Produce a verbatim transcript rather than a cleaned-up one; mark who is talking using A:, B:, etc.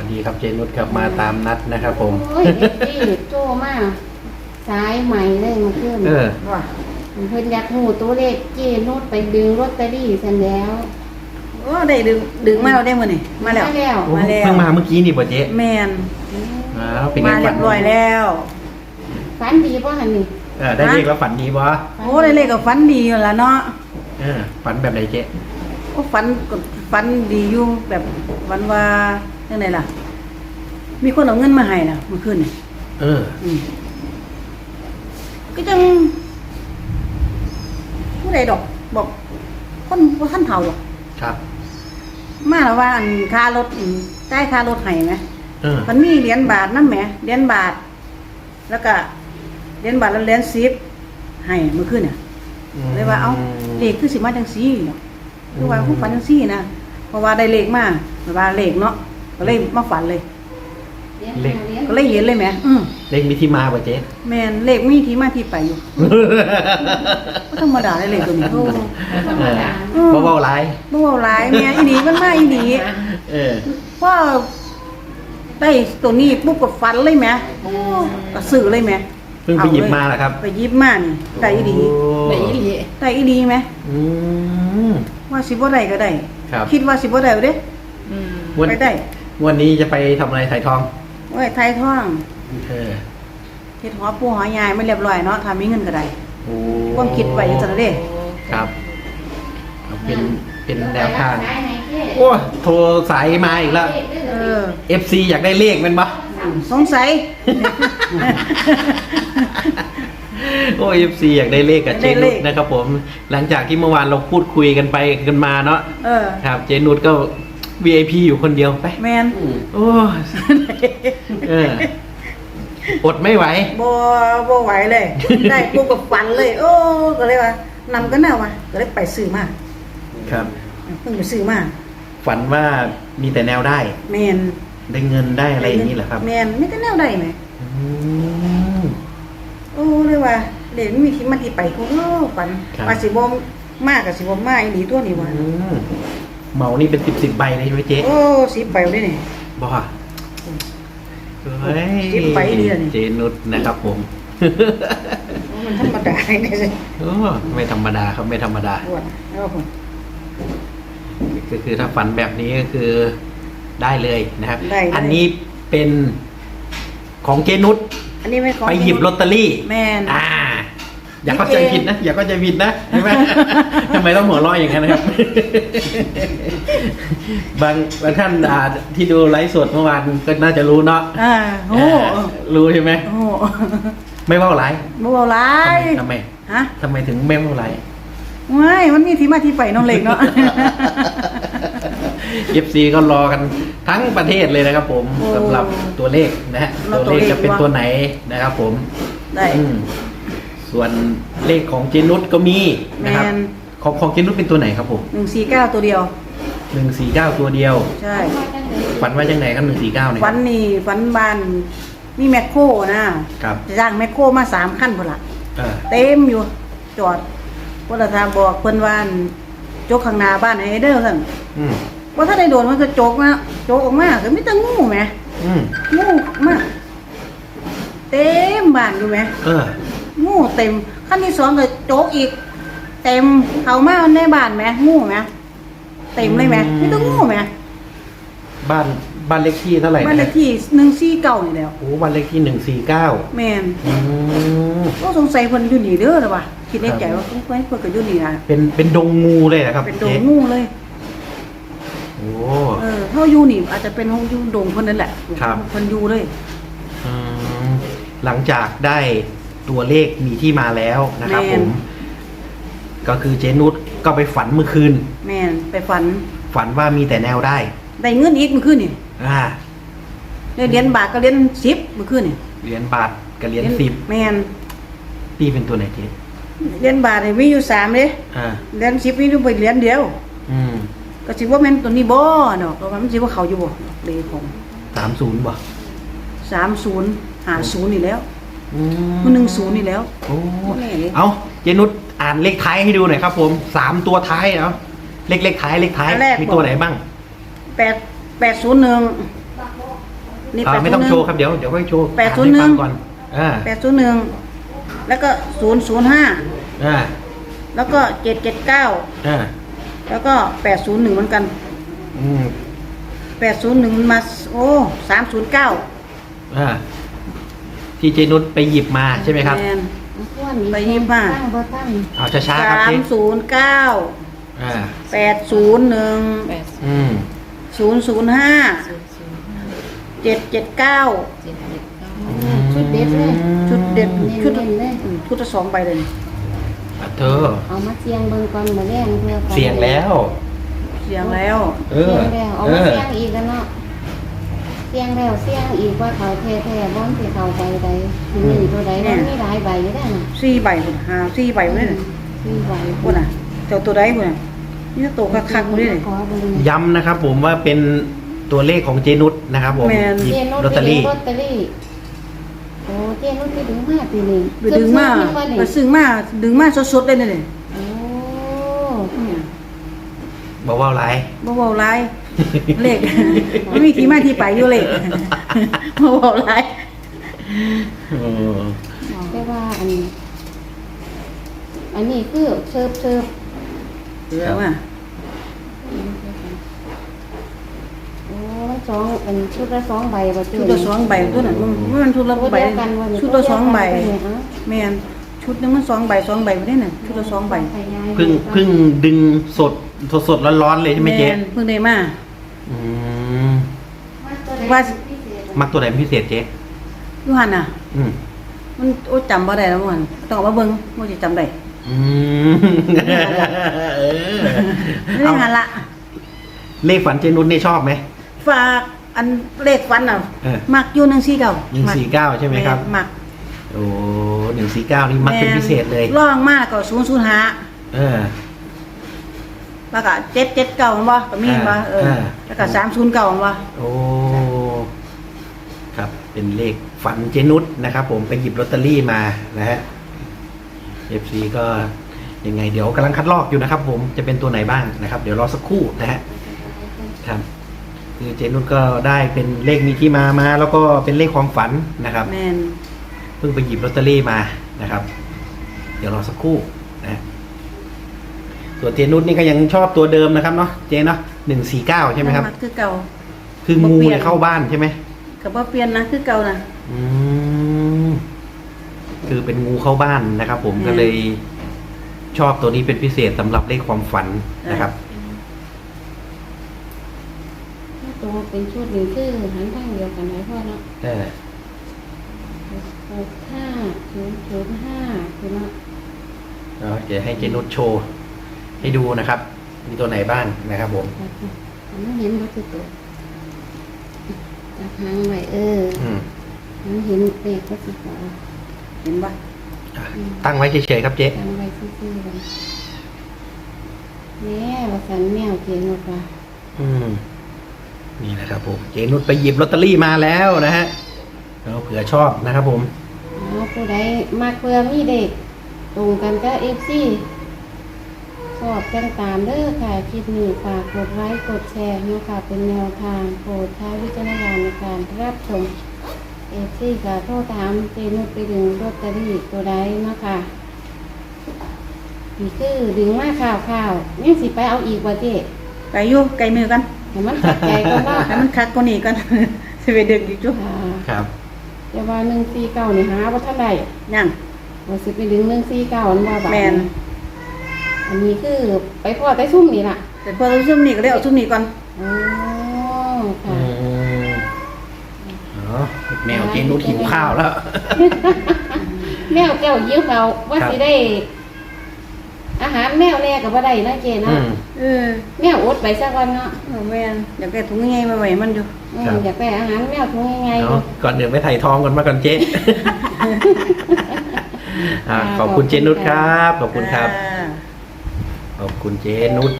A: ดีครับเจนุชครับมาตามนัดนะครับผม
B: โอ้ยเด็กดีโจ้มากสายใหม่เลยมาขึ้น
A: เออ
B: ว่ะเพิ่นอยากหูตัวเลขเจนุชไปดึงลอตเตอรี่เสร็จแล้ว
C: โอ้ได้ดึงดึงมาเราได้มื้อนี่มาแล้ว
B: มาแล้ว
A: โอ้
C: มาแล้ว
A: เพิ่งมาเมื่อกี้นี่ป่ะเจ๊
C: แม่น
A: อ้าวเป็นไง
C: มาเรี
A: ฝั
C: ย
A: น
C: บร้อยแล้ว
B: ฝันดีป่ะฮันนี่
A: เออได้เลขแล้วฝันดีปะ
C: โอ้ได้เลขก็ฝันดีอยู่ล่ะเนาะ
A: เออฝันแบบไหนเจ๊
C: โอ้ฝันก็ฝันดีอยู่แบบวันว่าจังไดล่ะ มีคนเอาเงินมาให้น่ะเมื่อคืนนี่
A: เออ
C: อืมก็จังผู้ใดดอก บอก คนบ่ทันเฒ่าดอก
A: ครับ
C: มาแล้วว่าอันค่ารถอืมจ่ายค่ารถให้ไหม
A: เออ
C: มันมีเหรียญบาทนำแหมเหรียญบาท แล้วก็เหรียญบาทแล้วเหรียญสิบให้เมื่อคืนน่ะ เลยว่าเอ้าเลขคือสิมาจังซี่เนาะคือว่าผู้ฝันจังซี่นะเพราะว่าได้เลขมาแบบว่าเลขเนาะก็เลยมาฝันเลย
B: เลี้ยงเลี้ยง
C: ก็เลยเห็นเลยแหมอืม
A: เลขมีที่มาป่ะเจ๊
C: แม่นเลขมีที่มาที่ไปอยู่บ่ธรรมดาได้เลขตัวนี้โอ้
B: ธรรมดา
A: เพราะว่าอะไร
C: บ่เว้าหลายแม่อีหลีมันมาอีหลี
A: เออ
C: พอได้ตัวนี้ปุ๊บก็ฝันเลยแหมโอ้ก็ซื้อเลยแหม
A: เพิ่งไปหยิบมาเหรอครับ
C: ไปหยิบมานี่ได้อีหลี
A: โอ้
B: ไหนอีหลี
C: ได้อีหลีไหม
A: อืม
C: ว่าสิบ่ได้ก็ได้
A: ครับ
C: คิดว่าสิบ่ได้เด้
B: อืม
A: วัน
C: ไปได้
A: วันนี้จะไปทำอะไรถ่ายทอง
C: โอ้ยไทยท่อง
A: เออ
C: เฮ็ดหัวปูหัวยายไม่เรียบร้อยเนาะถ้ามีเงินก็ได้
A: โอ้
C: ความคิดไว้อยู่จังเด้
A: ครับเอาเป็นเป็นแนวทาง
B: ไหนไหนเจ๊
A: โอ้โทรสายมาอีกแล้ว
C: เออ
A: เอฟซีอยากได้เลขแมันปะ
C: สงสัย
A: โอ้เอฟซีอยากได้เลขกับเจ
C: ได้เล
A: นุ
C: ข
A: ชนะครับผม หลังจากที่เมื่อวานเราพูดคุยกันไปกันมาเนาะ
C: เออ
A: ครับ เจนุชก็ วี ไอ พี อยู่คนเดียวไป
C: แมน
A: โอ้เอออดไม่ไหว
C: บ่บ่ไหวเลย ได้ปุ๊บก็ฝันเลย โอ้ก็เลยว่านำกันแน่ว่ะก็เลยไปซื้อมา
A: ครับ
C: เพิ่งไปซื้อมา
A: ฝันว่ามีแต่แนวได้
C: แมน
A: ได้เงินได้อะไรอย่างนี้เหรอครับ
C: แมนมีแต่แนวใดไหม
A: อืม
C: โอ้เลยว่าเดี๋ยวมีที่มาที่ไปกูเออฝัน
A: ครับ
C: ว่าสิบ่มากกับสิบ่มาอีหลีตัวนี้ว่ะ
A: อืมเหมานี่เป็นสิบสิบใบเลยใช่ไหมเจ๊
C: โอ้สิไปได้นี่
A: บ้าเฮ้ย
C: สิบใบเดียวนี่
A: เจนุชนะครับผม
C: มันธรรมดาได้สิ
A: โอ้ไม่ธรรมดาครับไม่ธรรมดา
C: ปวดแล้วผม
A: ก็คือถ้าฝันแบบนี้ก็คือได้เลยนะครับ
C: ได้เลย
A: อันนี้เป็นของเจนุช
C: อันนี้ไม่ของ
A: ไปหยิบลอตเตอรี่
C: แม่น
A: อ่า อย่าเข้าใจผิดนะ อย่าเข้าใจผิดนะใช่ไหม ทำไมต้องหัวเราะอย่างนั้นนะครับ บางบางท่านอ่าที่ดูไลฟ์สดเมื่อวานก็น่าจะรู้เนาะ
C: อ่าโอ้
A: อ่ารู้ใช่ไหม
C: โอ้
A: ไม่เว่าไร
C: บ่เอาหลาย
A: ทำไม
C: ฮะ
A: ทำไมถึงไม่เว่าไร
C: ไม่มันมีที่มาที่ไปน้องเล็กเนาะ
A: เอฟซีก็รอกันทั้งประเทศเลยนะครับ ผม
C: โอ้
A: สำหรับตัวเลขนะฮะ
C: รอ
A: ตัวเลข
C: ตัวเลข
A: จะเป็น
C: วะ
A: ตัวไหนนะครับ ผม
C: ได้
A: อืมส่วนเลขของเจนุชก็มีนะครับ
C: แมน
A: ของของเจนุชเป็นตัวไหนครับผม
C: หนึ่งสี่เก้าตัวเดียว
A: หนึ่งสี่เก้าตัวเดียว
C: ใช่
A: ฝันว่าจังไหนครับหนึ่งสี่เก้าเนี่ย
C: ฝันนี่ฝันบานมีแมคโครนะครับ จะจ้างแมคโครมาสามขั้นพุ่นละ
A: เออ
C: เต็มอยู่ จอดพุ่นละทางบอกเพิ่นว่าอั่นโจกข้างหน้าบ้านให้เด้อซั่น
A: อืม
C: ว่าถ้าได้โดนมันก็โจกมาโจกออกมาก็มีแต่งูแหม
A: อืม
C: งูมากเต็มบ้านอยู่แหม
A: เออ
C: งูเต็มขั้นที่สองก็โจกอีก เต็มเข้ามาในบ้านแหมงูแหมเต็มเลยแหมมีแต่งูแหม
A: บ้านบ้านเลขที่เท่าไหร่
C: บ้านเล
A: นะ
C: ขที่หนึ่งสี่เก้านี่แหล้ว
A: โอ้บ้านเลขที่หนึ่งสี่เก้า
C: แม่น
A: อืม
C: ก็สงสัยเพิ่นอยู่นี่เด้อล่ะว่ะคิดในใจว่าเพิ่นเพิ่นก็อยู่นี่ล่ะ
A: เป็นเป็นดงงูเลยนะครับ
C: เป็นดง
A: จ๊
C: งูเลย
A: โอ้
C: เออเฮาอยู่นี่อาจจะเป็นห้องอยู่ดงเพิ่นนั่นแหละ
A: ครับ
C: เพิ่นอยู่เลย
A: อืมหลังจากได้ตัวเลขมีที่มาแล้วนะครับผม ก็คือเจนุชก็ไปฝันเมื่อคืน
C: แม่นไปฝัน
A: ฝันว่ามีแต่แนวได้
C: ได้เงินอีกเมื่อคืนนี่
A: อ่า
C: ได้เหรียญบาทก็เหรียญสิบเมื่อคืนนี่
A: เหรียญบาทกับเหรียญสิบ
C: แม่น
A: ตีเป็นตัวไหนเจ๊
C: เหรียญบาทนี่มีอยู่สามเด้
A: อ่า
C: เหรียญสิบมีอยู่ไปเหรียญเดียว
A: อืม
C: ก็สิว่าแม่นตัวนี้บ่เนาะก็ว่ามันสิว่าเขาอยู่บ่เลขของ
A: สามศูนย์บ่
C: สามศูนย์ห้าศูนย์นี่แล้ว
A: อื
C: มันหนึ่งศูนย์นี่แล้ว
A: โอ้
C: แม่เลย
A: เอาเจนุชอ่านเลขท้ายให้ดูหน่อยครับ ผมสามตัวท้ายเอาเลขเลขท้ายเลขท้ายมีตัวไหนบ้าง
C: แปดแปดศูนย์หนึ่งนี่
A: อ่า
C: แปด
A: ไม่
C: ศู
A: ต้อน ง
C: ย์หนึ่
A: โช
C: ง
A: ว์ครับเดี๋ยวเดี๋ยวค่อยโชว์
C: แปดศูนย์หนึ่ง
A: อ่าให้ฟัก่อนอ่า
C: แปดศูนย์หนึ่งแล้วก็ศูนย์ศูนย์ห้า
A: อ่า
C: แล้วก็เจ็ดเจ็ดเก้า
A: อ่า
C: แล้วก็แปดศูนย์หนึ่งเหมือนกัน
A: อืม
C: แปดศูนย์หนึ่งมาโอ้สามศูนย์เก้า
A: อ่าที่เจนุชไปหยิบมาใช่ไหมครับ
C: แมน
B: ส่วนนี้
C: ไปยิบมา
B: ตั้งบ่ตั้ง
A: เอาช้าๆครับ
C: สาม
A: เจ๊
C: ศูนย์เก้า
A: อ่า
C: แปดศูนย์หนึ่ง
D: แปด
A: อืม
C: ศูนย์ศูนย์ห้า
D: ศูนย์ศูนย์ห้า
C: เจ็ดเจ็ดเก้า
D: เจ็ดเจ็ดเก้า
B: ชุดเด็ดเลย
C: ชุดเด็ด
B: เน้
C: ชุด
B: นๆเลย
C: อืมชุดละสองใบเลย
A: อ่ะเธอ
B: เอามาเสียงเบิ่งก่อนมาแรงเพื่อไป
A: เสียงแล้ว
C: เสียงแล้ว
A: เอ
B: เสี
A: อย
B: งแล้วเอา
A: เอ
B: มา
A: อ
B: เสียงอีกแล้วเนาะเสียงแล้วเสียงอีกว่าเขาแท้ๆบ่สิเขาใบใดหนึ่งตัวใดมันมีหลายใบอยู่ได้น่ะ
C: สี่ใบพุ่นหาสี่ใบพุ่นเลย
B: มีใบ
C: พุ่นน่ะเจ้าตัวใดพุ่นน่ะนี่ตัวคักๆพุ่นเลย
B: ขอเบิ่ง
A: ย้ำนะครับผมว่าเป็นตัวเลขของเจนุชนะครับผม
C: แมน
A: หยิบ
B: เจนุช
A: ลอตเตอรี่
B: ลอตเตอรี่โอ้เจนุชไปดึงมาปีนี้
C: ไปดึงมา
B: เกือบๆนี่
C: ไปซึ้งมาดึงมาสดๆเลยนี่
B: โอ้
C: เนี่ย
A: บอกว่าอะไร
C: บ่เว้าหลายเลข ไม่มีที่มาที่ไปอยู่เลข บ่เว้าหลาย
A: เออ
B: บอกได้ว่าอันนี้อันนี้คือเชิบเชิบ
C: เดี๋ยวว่า
B: โอ้สองอันชุดละสองใบบ่เจ
C: ชุดละสองใบตัวนั้นมันมันชุดละ
B: ตัว
C: ใบ
B: เดียวกันวันนี้
C: ชุดละสองใบ
B: ตัวเดียวกัน
C: แม่นชุดหนึงมันสองใบสองใบบ่ได้น่ะชุดละสองใบ
A: เพิ่งเพิ่งดึงสดสดสดร้อนๆเลยใช่ไหมเจ๊
C: แนเพิ่งได้มา
A: อืม
C: ว่า
A: มักตัวไหนเป็นพิเศษเจ๊
C: อยู่หั่นน่ะ
A: อืม
C: มันโอ้จำบ่ได้แล้วมันต้องเอามาเบิ่งบ่สิจำได้
A: อืมเออ
C: ไม่ได้หันละ
A: เลขฝันเจนุชนี่ชอบไหม
C: ฝากอันเลขฟันน่ะ
A: เออ
C: มักอยู่หนึ่งสี่เก้า
A: หนึ่งสี่เก้าใช่ไหมครับ
C: มัก
A: โอ้หนึ่งสี่เก้านี่มักเป็นพิเศษเลย
C: ร่องมากก็ศูนย์ศูนย์ห้า
A: เออ
C: แล้วก็เจ็ดเจ็ดเก้าบ่ก็มีบ่เออ
A: อ่า
C: แล้วก็สามศูนย์เก้าบ่
A: โอ้ ครับ เป็นเลขฝันเจนุชนะครับ ผมไปหยิบลอตเตอรี่มานะฮะ เอฟ ซี ก็ยังไงเดี๋ยวกำลังคัดลอกอยู่นะครับ ผมจะเป็นตัวไหนบ้างนะครับ เดี๋ยวรอสักครู่นะฮะ ครับ คือเจนุชก็ได้เป็นเลขมีที่มามา แล้วก็เป็นเลขความฝันนะครับ
C: แม่น
A: เพิ่งไปหยิบลอตเตอรี่มานะครับ เดี๋ยวรอสักครู่นะฮะส่วนเจนุชนี่ก็ยังชอบตัวเดิมนะครับเนาะเจเนาะหนึ่งสี่เก้าใช่ไหมครับ
C: มักคือเก่า
A: คืองูเนี่ยเข้าบ้านใช่ไหม
C: ก็บ่เปลี่ยนนะคือเก่านะ
A: อืมคือเป็นงูเข้าบ้านนะครับ ผม
C: อืม
A: ก็เลยชอบตัวนี้เป็นพิเศษสำหรับเลขความฝันนะครับ
B: ตัวเป็นชุดหนึ่งคือหันทางเดียวกันไหมพ่อเนาะ
A: เออ
B: หกห้าศูนย์ศูนย์ห้าคือเนาะ
A: เอาเดี๋ยวให้เจนุชโชว์ให้ดูนะครับ มีตัวไหนบ้างนะครับ ผม
B: อันนั้นเห็นวัตถุตัวจับหางไว้เออ
A: อืม
B: อันนั้นเห็นเลขวัตถุตัว
C: เห็นบ่
A: อ่ะตั้งไว้เฉยๆครับเจ๊
B: จับไว้ซื่อๆเลยแม่ว่าสันแมวเกียงว่า
A: อืมนี่นะครับ ผมเจนุชไปหยิบลอตเตอรี่มาแล้วนะฮะเราเผื่อชอบนะครับ ผม
B: อ๋อผู้ใดมากเพื่อมีเด็กตรงกันก็เอฟซีสอบกันตามเด้อค่ะคลิปนี้ฝากกดไลค์กดแชร์เนาะค่ะเป็นแนวทางโปรดใช้วิจารณญาณในการรับชมเอฟซีก็โทรถามเจนุชไปดึงลอตเตอรี่ตัวใดเนาะค่ะนี่คือดึงมาข่าวข่าวๆนี่สิไปเอาอีกว่าเจ๊
C: ไก่อยู่ไก่มือกัน
B: ให้มันขัดใจก็ว่า
C: ให้มันคักกว่านี้กัน สิไปดึกอีกจุ
B: ค่ะ
A: ครับ
B: แต่ว่าหนึ่งสี่เก้านี่หาว่าเท่าไหร่
C: ยัง
B: ว่าสิไปดึงหนึ่งสี่เก้าอันว่าบาท
C: แม่น
B: อันนี้คือไปพ่อได้ซุ่มนี่ล่ะ
C: แต่พอเราซุ่มนี่ก็เลยเอาซุ่มนี่ก่อน
B: อ๋อ
A: อื
B: ค่ะ
A: มอ๋อแมวเจนุชหิวข้าวแล้ว
B: แมวแก้วยิ้วเขาว่า
A: ครับ
B: สิได้ อาหารแมวแน่กับว่าได้นะเจ
A: อื
B: เนาะ
A: ม
C: เออ
B: แมวอดไปสักวันเนาะ
C: เอาแม่นอยากได้ถุงใหญ่ๆมาไว้มันอยู่
B: อืม
A: ครับ
B: อยากได้อาหารแมวทุงยังไง
A: เนาะก่อนเดินไปถ่ายทองกันมาก่อนเจ๊ อ่าขอบคุณเจนุชครับ ขอบคุณครับ
C: อ่า
A: ขอบคุณเจนุช